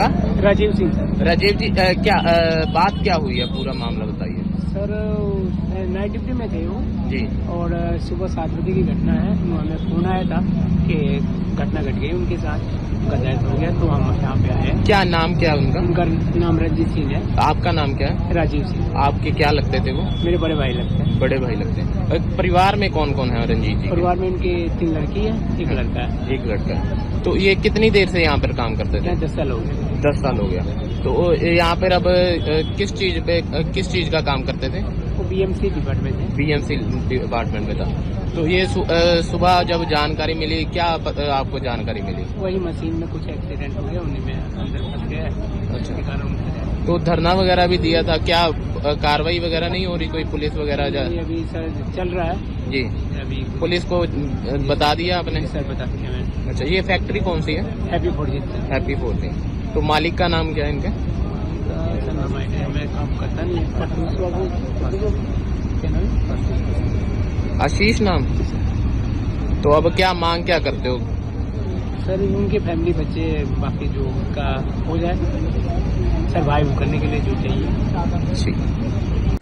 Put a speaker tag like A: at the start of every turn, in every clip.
A: आपका?
B: राजीव सिंह सर।
A: राजीव जी, क्या बात क्या हुई है, पूरा मामला बताइए।
B: सर नाइट ड्यूटी में थे वो
A: जी
B: और सुबह 7 बजे की घटना है। हमें फोन आया था कि घटना घट गई उनके साथ, उनका डेथ हो गया, तो हम यहाँ पे आए।
A: क्या नाम क्या है उनका?
B: उनका नाम रंजीत सिंह है।
A: आपका नाम क्या है?
B: राजीव सिंह।
A: आपके क्या लगते थे वो?
B: मेरे बड़े भाई लगते हैं।
A: बड़े भाई लगते हैं। परिवार में कौन कौन है रंजीत जी के?
B: परिवार में उनके 3 लड़की है, 1 लड़का है।
A: एक लड़का है। तो ये कितनी देर से यहाँ पर काम करते थे?
B: यहाँ 10 साल हो गए।
A: 10 साल हो गया। तो यहाँ पर अब किस चीज का काम करते थे?
B: वो बीएमसी डिपार्टमेंट है।
A: बीएमसी डिपार्टमेंट में था। तो ये सुबह जब जानकारी मिली, क्या आपको जानकारी मिली?
B: वही मशीन में कुछ एक्सीडेंट हो गया, उन्हीं में अंदर फंस गया है।
A: अच्छा।
B: उसके कारण उनका
A: तो धरना वगैरह भी दिया था, क्या कार्रवाई वगैरह नहीं हो रही? कोई पुलिस वगैरह
B: अभी सर चल रहा है
A: जी,
B: अभी।
A: पुलिस को बता दिया आपने?
B: सर बता दिया मैंने।
A: अच्छा, ये फैक्ट्री कौन सी है?
B: Happy Forging sir.
A: Happy Forging. तो मालिक का नाम क्या है इनके?
B: सर नाम आइडिया मैं काम करता नहीं। परतूस बाबू क्या नाम है?
A: आशीष नाम। तो अब क्या मांग क्या करते हो?
B: सर उनके फैमिली बच्चे बाकी जो उनका हो जाए, सर्वाइव करने के लिए जो चाहिए।
A: ठीक।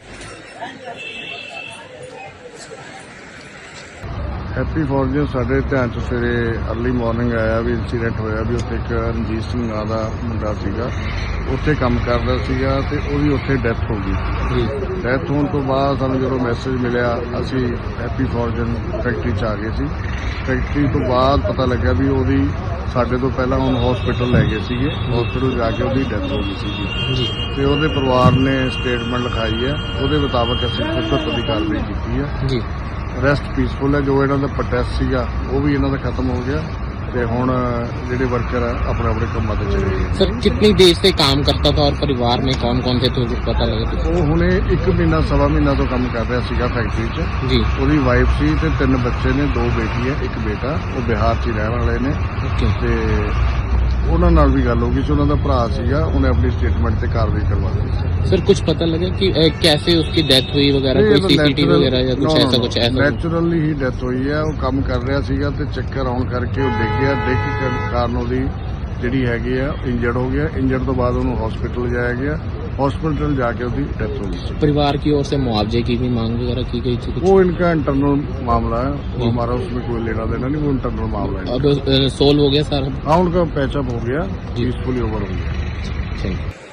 C: हैप्पी फॉर्जिन ਸਾਡੇ ਧਿਆਨ 'ਚ ਸਵੇਰੇ अर्ਲੀ ਮਾਰਨਿੰਗ ਆਇਆ ਵੀ ਇੰਸੀਡੈਂਟ ਹੋਇਆ ਵੀ ਉੱਥੇ ਇੱਕ ਰਣਜੀਤ ਸਿੰਘ ਨਾਂ ਦਾ ਮੁੰਡਾ ਸੀਗਾ, ਉੱਥੇ ਕੰਮ ਕਰਦਾ ਸੀਗਾ ਤੇ ਉਹਦੀ ਉੱਥੇ ਡੈਥ ਹੋ ਗਈ। ਡੈਥ ਹੋਣ ਤੋਂ ਬਾਅਦ ਸਾਨੂੰ ਜਦੋਂ ਮੈਸੇਜ ਮਿਲਿਆ, ਅਸੀਂ हैप्पी फॉर्जिन ਫੈਕਟਰੀ 'ਚ ਆ ਗਏ ਸੀ। ਫੈਕਟਰੀ ਤੋਂ ਬਾਅਦ ਪਤਾ ਲੱਗਿਆ ਵੀ ਉਹਦੀ ਸਾਡੇ ਤੋਂ ਪਹਿਲਾਂ ਹੁਣ ਹਸਪੀਟਲ ਲੈ ਗਏ ਸੀਗੇ। ਹਸਪੀਟਲ ਜਾ ਕੇ ਉਹਦੀ ਡੈਥ ਹੋ ਗਈ ਸੀਗੀ ਤੇ ਉਹਦੇ ਪਰਿਵਾਰ ਨੇ ਸਟੇਟਮੈਂਟ ਲਿਖਾਈ ਹੈ। ਉਹਦੇ ਮੁਤਾਬਕ ਅਸੀਂ ਸਖਤ ਦੀ ਕਾਰਵਾਈ ਕੀਤੀ ਹੈ ਜੀ। ਰੈਸਟ ਪੀਸਫੁਲ ਹੈ। ਜੋ ਇਹਨਾਂ ਦਾ ਪ੍ਰੋਟੈਸਟ ਸੀਗਾ ਉਹ ਵੀ ਇਹਨਾਂ ਦਾ ਖਤਮ ਹੋ ਗਿਆ ਤੇ ਹੁਣ ਜਿਹੜੇ वर्कर है अपने अपने ਕੰਮਾਂ ਤੇ चले गए।
A: सर कितनी देर से काम करता था और परिवार में कौन कौन थे, तो पता लगा?
C: ਉਹ ਹੁਣੇ 1 ਮਹੀਨਾ ਸਵਾ ਮਹੀਨਾ ਤੋਂ ਕੰਮ ਕਰ ਰਿਹਾ ਸੀਗਾ ਫੈਕਟਰੀ 'ਚ
A: जी।
C: ਉਹਦੀ ਵਾਈਫ ਸੀ ਤੇ 3 ਬੱਚੇ ਨੇ, 2 ਬੇਟੀ ਹੈ 1 ਬੇਟਾ। ਉਹ ਬਿਹਾਰ 'ਚ ਹੀ ਰਹਿਣ ਵਾਲੇ ਨੇ
A: ओके।
C: ਤੇ ਉਹਨਾਂ ਨਾਲ ਵੀ ਗੱਲ ਹੋ ਗਈ ਸੀ। ਉਹਨਾਂ ਦਾ ਭਰਾ ਸੀਗਾ, ਉਹਨੇ ਆਪਣੀ ਸਟੇਟਮੈਂਟ ਤੇ ਕਾਰਵਾਈ ਕਰਵਾ ਲਈ ਸੀ।
A: सर कुछ पता लगा कि कैसे उसकी डेथ हुई वगैरह, कोई सीसीटीवी वगैरह या कुछ ऐसा कुछ ऐसा?
C: ਨੈਚੁਰਲੀ ਹੀ ਡੈਥ ਹੋਈ ਹੈ। ਉਹ ਕੰਮ ਕਰ ਰਿਹਾ ਸੀਗਾ ਤੇ ਚੱਕਰ ਆਉਣ ਕਰਕੇ ਉਹ ਡਿੱਗਿਆ। ਡਿੱਗ ਕੇ ਕਾਰਨ ਉਹਦੀ ਜਿਹੜੀ ਹੈਗੀ ਆ ਇੰਜਰਡ ਹੋ ਗਿਆ। ਇੰਜਰਡ ਤੋਂ ਬਾਅਦ ਉਹਨੂੰ ਹਸਪੀਟਲ ਲਿਜਾਇਆ ਗਿਆ। हॉस्पिटल जाके उसकी डेथ हो गई।
A: परिवार की ओर से मुआवजे की भी मांग वगैरह की गई थी कुछ?
C: वो इनका इंटरनल मामला है, वो हमारा उसमें कोई लेना देना नहीं, वो इंटरनल मामला है।
A: अब सोल्व हो गया सर?
C: हाँ, उनका पैचअप हो गया, पीसफुली ओवर हो गया।
A: Thank you.